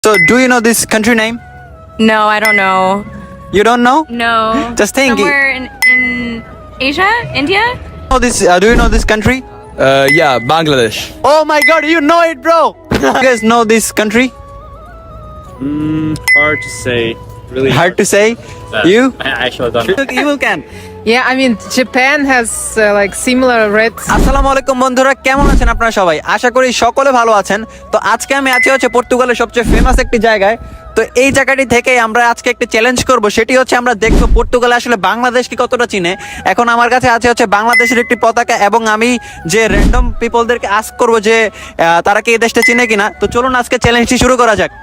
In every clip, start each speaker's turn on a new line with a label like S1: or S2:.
S1: So, do you know this country name?
S2: No, I don't know.
S1: You don't know?
S2: No.
S1: Just think.
S2: Somewhere in Asia? India?
S1: Know this? Do you know this country?
S3: Yeah, Bangladesh.
S1: Oh my God, you know it, bro! You guys know this country?
S4: Hard to say. Really
S1: Hard to say.
S4: Uh,
S1: You?
S4: I actually don't know.
S1: You can.
S5: Yeah, I mean, Japan has like similar red.
S1: আসসালামু আলাইকুম বন্ধুরা, কেমন আছেন আপনারা সবাই? আশা করি সকলে ভালো আছেন। তো আজকে আমি আছি হচ্ছে পর্তুগালের সবচেয়ে ফেমাস একটি জায়গায়। তো এই জায়গাটি থেকে আমরা আজকে একটা চ্যালেঞ্জ করব, সেটি হচ্ছে আমরা দেখব পর্তুগালে আসলে বাংলাদেশকে কতটা চিনে। এখন আমার কাছে আছে হচ্ছে বাংলাদেশের একটি পতাকা, এবং আমি যে র্যান্ডম পিপলদেরকে আস্ক করব যে তারা কি এই দেশটা চিনে কিনা। তো চলুন আজকে চ্যালেঞ্জটি শুরু করা যাক।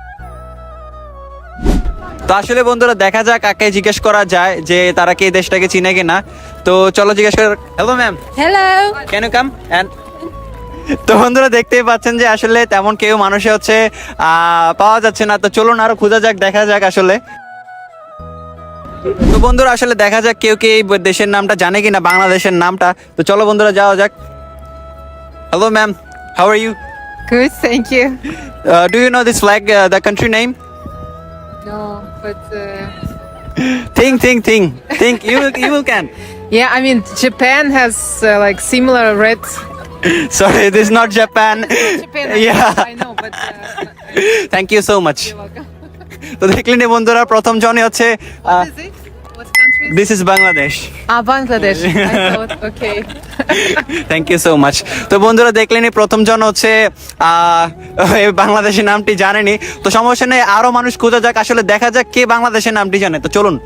S1: তো আসলে বন্ধুরা, দেখা যাক কাকে জিজ্ঞেস করা যায় যে তারা কি এই দেশটাকে চিনে কিনা। তো চলো জিজ্ঞেস কর। Hello ma'am,
S2: Hello.
S1: Can you come and. তো বন্ধুরা, দেখতেই পাচ্ছেন যে আসলে তেমন কেউ মানুষে হচ্ছে পাওয়া যাচ্ছে না। তো চলুন আরো খোঁজা যাক, দেখা যাক আসলে। তো বন্ধুরা, আসলে দেখা যাক কেউ কি এই দেশের নামটা জানে কিনা, বাংলাদেশের নামটা। তো চলো বন্ধুরা, যাওয়া যাক। Hello ma'am, how are you?
S5: Good, thank you.
S1: Do you know this flag, the country name?
S5: No, but
S1: Think. You can.
S5: yeah, I mean, Japan has like similar red.
S1: Sorry, this is not Japan.
S5: Japan,
S1: Yeah.
S5: I know, but
S1: Thank you so much.
S5: you're welcome.
S1: তো দেখলেন বন্ধুরা, প্রথম জনই হচ্ছে
S5: What is it? What country?
S1: This is Bangladesh.
S5: Bangladesh. I thought, okay.
S1: Thank you so much. তো বন্ধুরা, দেখলেনই প্রথম জন হচ্ছে এই বাংলাদেশের নামটি জানেনি। তো সমস্যা নেই, আরো মানুষ খোঁজা যাক, আসলে দেখা যাক কে বাংলাদেশের নামটি জানে। তো চলুন।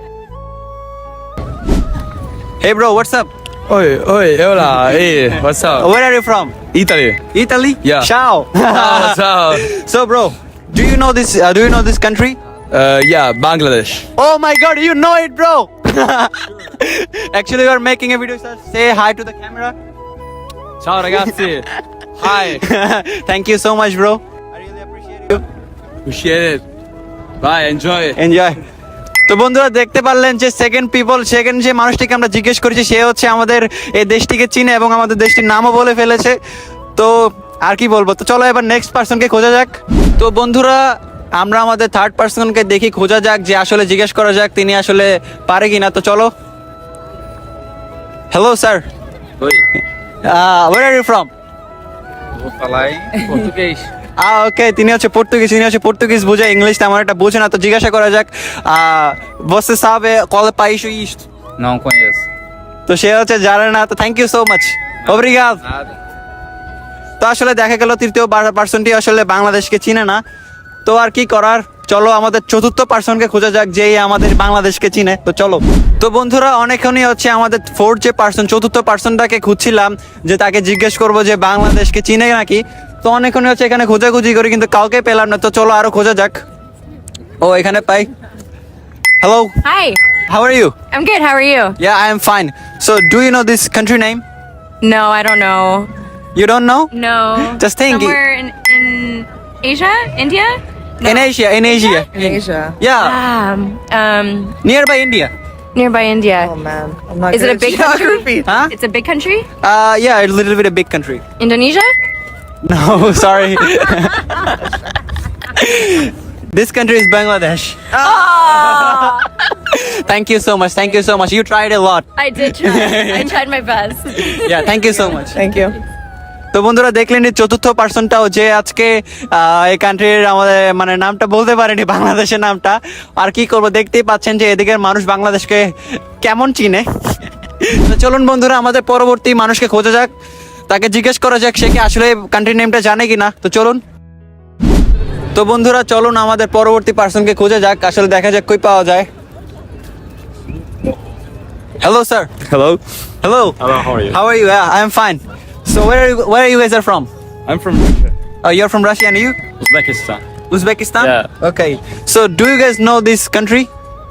S1: Hey bro, what's up?
S3: Oi, hola, hey, what's up?
S1: Where are you from?
S3: Italy.
S1: Italy?
S3: Yeah.
S1: Ciao.
S3: What's up?
S1: So bro, do you know this country?
S3: Yeah, Bangladesh.
S1: Oh my God, you know it, bro. Actually, we are making a video, sir. Say hi to the camera.
S3: Ciao ragazzi. Hi.
S1: Thank you so much, bro. I really appreciate you.
S3: Appreciate it. Bye, enjoy.
S1: Enjoy. তো বন্ধুরা, দেখতে পারলেন যে second যে মানুষটিকে আমরা জিজ্ঞেস করেছি, সে হচ্ছে আমাদের এই দেশটিকে চিনে এবং আমাদের দেশটির নামও বলে ফেলেছে। তো আর কি বলবো, তো চলো এবার নেক্সট পার্সনকে খোঁজা যাক। তো বন্ধুরা, আমরা আমাদের থার্ড পার্সনকে দেখি, খোঁজা যাক যে আসলে জিজ্ঞেস করা যাক তিনি আসলে পারে কিনা। তো চলো। Hello sir,
S4: Oi.
S1: Where are you from?
S4: Vou falar em português.
S1: Okay, তিনি হচ্ছে পর্তুগিজ বুঝে, ইংলিশ তেমন একটা বুঝে না। তো জিজ্ঞাসা করা যাক, você sabe qual é país isto?
S4: Não conheço.
S1: তো সে হচ্ছে জানে না। তো থ্যাংক ইউ সো মাচ, ওব্রিগাদ।
S4: Nada.
S1: তো আসলে দেখা গেল তৃতীয় পার্সনটি আসলে বাংলাদেশকে চিনে না। তো আর কি করার, চলো আমাদের চতুর্থ পার্সনকে খোঁজা যাক যে আমাদের বাংলাদেশকে চিনে। তো চলো। তো বন্ধুরা, অনেকক্ষণই হচ্ছে আমাদের চতুর্থ পার্সনটাকে খুঁজছিলাম যে তাকে জিজ্ঞেস করবো যে বাংলাদেশকে চিনে নাকি। তো অনেকক্ষণই হচ্ছে এখানে খোঁজাখুঁজি করি, কিন্তু কাউকে পেলাম না। তো চলো আরো খোঁজা যাক। ও, এখানে পাই। Hello,
S2: Hi.
S1: How are you?
S2: I'm good. How are you?
S1: Yeah, I am fine. So, do you know this country name?
S2: No, I don't know.
S1: You don't know?
S2: No.
S1: Just think.
S2: Somewhere in Asia? India? No.
S1: In Asia.
S5: Asia.
S1: Yeah, nearby India.
S2: Nearby India.
S5: Oh man, I'm not
S2: Is it
S5: good
S2: a
S5: at
S2: big country?
S5: geography.
S1: Huh?
S2: It's a big country?
S1: Yeah, a little bit a big country.
S2: Indonesia?
S1: No, sorry. This country is Bangladesh.
S2: Oh,
S1: Thank you so much. You tried a lot.
S2: I did try. I tried my best.
S1: Yeah, thank you so much.
S5: Thank you.
S1: তো বন্ধুরা, দেখলেন এই চতুর্থ পার্সনটাও যে আজকে এই কান্ট্রির আমাদের মানে নামটা বলতে পারেনি, বাংলাদেশের নামটা। আর কি করব, দেখতেই পাচ্ছেন যে এদিকের মানুষ বাংলাদেশকে কেমন চিনে। তো চলুন বন্ধুরা, আমাদের পরবর্তী মানুষকে খোঁজা যাক, তাকে জিজ্ঞেস করা যাক সে কি আসলে কান্ট্রি নেমটা জানে কিনা। তো চলুন। তো বন্ধুরা, চলুন আমাদের পরবর্তী পার্সনকে খোঁজা যাক, আসলে দেখা যাক কই পাওয়া যায়। Hello sir.
S3: Hello.
S1: Hello,
S4: Hello, how are you?
S1: how are you? I am fine. So where you guys are from?
S4: I'm from Russia.
S1: You're from Russia, and you?
S4: Uzbekistan.
S1: Uzbekistan?
S4: Yeah.
S1: Okay. So do you guys know this country?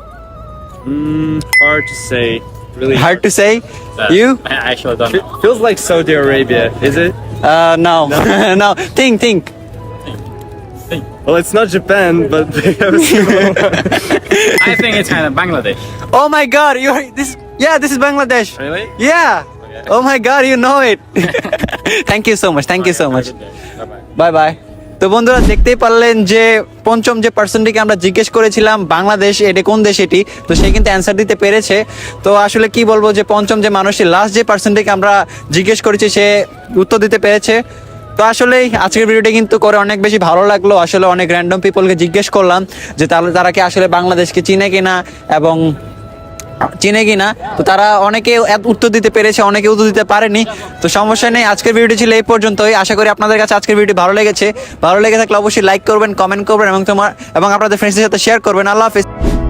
S4: Hard to say. Really
S1: Hard to say.
S4: Uh,
S1: You?
S4: I actually don't know. Feels like Saudi Arabia, is it?
S1: No. No. Think.
S4: Well, it's not Japan, but they have a similar I think it's kind of Bangladesh.
S1: Oh my God! This is Bangladesh.
S4: Really?
S1: Yeah.
S4: Okay.
S1: Oh my God! You know it. Thank you so much.
S4: Bye-bye.
S1: Bye bye. তো বন্ধুরা দেখতেই পারলেন যে পঞ্চম যে পার্সনটিকে আমরা জিজ্ঞেস করেছিলাম বাংলাদেশ এটা কোন দেশ এটি, তো সে কিন্তু অ্যান্সার দিতে পেরেছে। তো আসলে কি বলবো যে পঞ্চম যে মানুষটি লাস্ট যে পার্সনটিকে আমরা জিজ্ঞেস করেছি সে উত্তর দিতে পেরেছে। তো আসলে আজকের ভিডিওটা কিন্তু করে অনেক বেশি ভালো লাগলো। আসলে অনেক র্যান্ডম পিপলকে জিজ্ঞেস করলাম যে তারা কি আসলে বাংলাদেশকে চিনে কিনা এবং চিনে কিনা। তো তারা অনেকে উত্তর দিতে পেরেছে, অনেকে উত্তর দিতে পারেনি। তো সমস্যা নেই, আজকের ভিডিওটি ছিল এই পর্যন্তই। আশা করি আপনাদের কাছে আজকের ভিডিও ভালো লেগেছে। ভালো লেগে থাকলে অবশ্যই লাইক করবেন, কমেন্ট করবেন এবং আপনাদের ফ্রেন্ডসদের সাথে শেয়ার করবেন। আল্লাহ হাফেজ।